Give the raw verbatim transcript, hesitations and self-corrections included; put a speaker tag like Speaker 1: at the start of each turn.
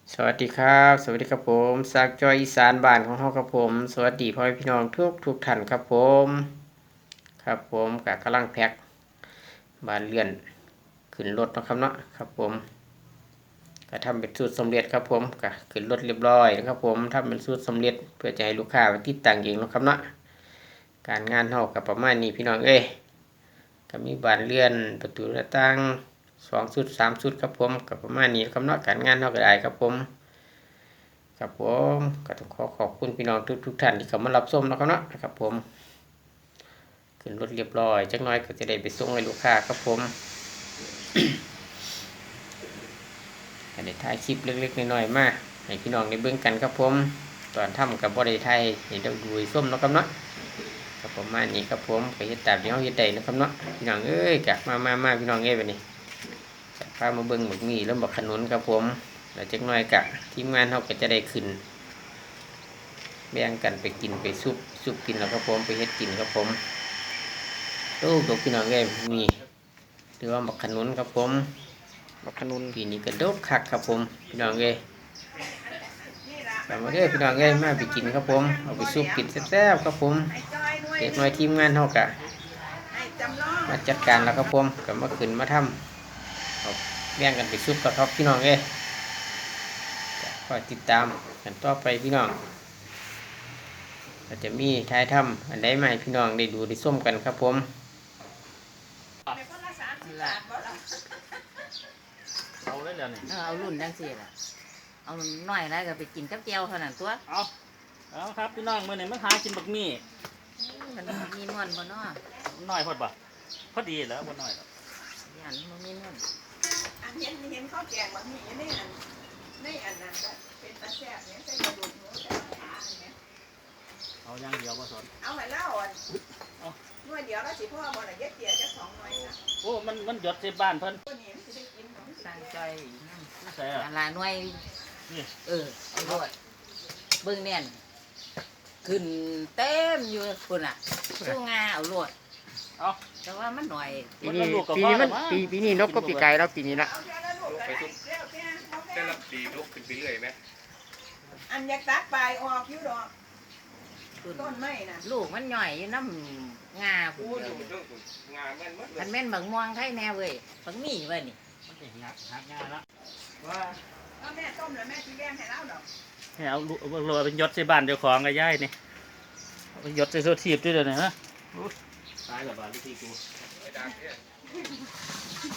Speaker 1: สวัสดีครับสวัสดีครับผมจากจอยอีสานบ้านของเฮาครับผมสวัสดีพ่อแม่พี่น้องทุกทุกท่านครับผมครับผมกะกำลังแพ็คบานเลื่อนขึ้นรถนะครับเนาะครับผมก็ทำเป็นสูตรสำเร็จครับผมก็ขึ้นรถเรียบร้อยนะครับผมทำเป็นสูตรสำเร็จเพื่อจะให้ลูกค้าไปติดตั้งเองนะครับเนาะการงานเฮากับประมาณนี้พี่น้องเอ้ยก็มีบานเลื่อนประตูหน้าต่างสองชุดสามชุดครับผมกับประมาณนี้ครับเนาะการงานเฮาก็ได้ครับผมครับผมก็ต้องขอขอบคุณพี่น้องทุกทุกท่านที่เข้ามารับชมนะครับเนาะครับผมขึ้นรถเรียบร้อยจักหน่อยก็จะได้ไปส่งให้ลูกค้าครับผมก็ได้ถ่ายคลิปเล็กๆน้อยๆมาให้พี่น้องได้เบิ่งกันครับผมตอนทำกับบ่ได้ถ่ายให้เราดูส้มเนาะครับเนาะครับประมาณนี้ครับผมก็เฮ็ดตามที่เฮาเฮ็ดได้นะครับเนาะพี่น้องเอ้ยกะมามามาพี่น้องเอ้ยบัดนี้จะพามาเบิ่งหมึกหมี่แล้วบักขนุนครับผมแล้วจักหน่อยกะทีมงานเฮาก็จะได้ขึ้นแบ่งกันไปกินไปซุปซุปกินแล้วครับผมไปเฮ็ดกินครับผมโอ้ดอกพี่น้องเอ้ยมีหรือว่าบักขนุนครับผมบักขนุนปีนี้ก็ดกคักครับผมพี่น้องเอ้ยแต่มาเด้อพี่น้องเอ้ยมาไปกินครับผมเอาไปซุปกินแซ่บๆครับผมเด็กน้อยทีมงานเฮากะมาจัดการแล้วครับผมก็มาขึ้นมาทำเอาแบ่งกันไปซุปกับครับพี่น้องเอ้ยคอยติดตามกันต่อไปพี่น้องก็จะมีท้ายถ้ำอันใดใหม่พี่น้องได้ดูได้ส้มกันครับผม
Speaker 2: เอาได้แล้วนี่
Speaker 3: เออเอารุ่นจังซี่ล่ะเอาน้อยแล้วก็ไปกินกับแก้วเท่านั้นตัว
Speaker 2: เอาเอาครับพี่น้องมื้อนี้มาหากินบักมี่
Speaker 3: มันมีนวลบ่เนาะ
Speaker 2: น้อยพอดบ่พอดีแล้วบ่น้อยหรอก
Speaker 3: ยันมันมีนวล
Speaker 4: อันเห็นเห็นข้าวแกงบางทีในอันในอันนั้นก็เป็นตาแซ่บเนี่ยใส่กระดูกหมูใส่ขาอันเนี้ย
Speaker 2: เอาอย่างเดียวบ่สน
Speaker 4: เอาให้เล่าอันหน่วยเดียวแล้วสิพ่อบ่ได้เย็ดเตี๋ยจะสองหน่วยนะ
Speaker 2: โอ้มันมันหยดใส่บ้านเพิ่น
Speaker 4: ตัวนี้มันสิได้กินของ
Speaker 3: สร้างใจนั่น
Speaker 2: นี่ใส่อ่ะ
Speaker 3: อันละหน่วย
Speaker 2: นี่
Speaker 3: เออเอาด้วยเบิ่งแน่นขึ้นเต็มอยู่พุ่นน่ะสู้งาเอาโลด
Speaker 2: เอา
Speaker 3: แต่ว่ามันหน่อย
Speaker 1: ปีนี้ปีนี้มันปีปีนี้นกก็ปีไก่แล้วปีนี้ละ
Speaker 4: เอาแค่ละลูกก็ได้แล้วแค่เอาแค่
Speaker 5: แต่ละปีลุกขึ้นไปเรื่อยไหม
Speaker 4: อันอยากตักปลายออกอยู่ดอก
Speaker 3: พุ่น
Speaker 4: ต้นไม้น่ะ
Speaker 3: ลูกมันหน่อยอยู่น้ำงาพุ่
Speaker 5: โอ้
Speaker 3: น
Speaker 5: ย
Speaker 3: เดียว
Speaker 5: เรื่องงานแม่นมัดเล
Speaker 3: มั
Speaker 5: ย
Speaker 3: นแม่นบักม่วงไทยแน่เว้ยบักมี่เว้ยนี่
Speaker 2: มันสิหักหักง่ายละ
Speaker 5: ว่า
Speaker 4: เอาแม่ต้มแล้วแม่สิแบ่งให้เล่าดอก
Speaker 2: ให้เอาลูกเอาโรยเป็นหยดใส่บ้านเจ้าของกับยายนี่เอาไปหยดใส่โซทีบด้วยเดี๋ยวนี้ฮะอุ๊ยตายแล้วบาดวิธีกู
Speaker 5: ไอ้ดาบเนี่ย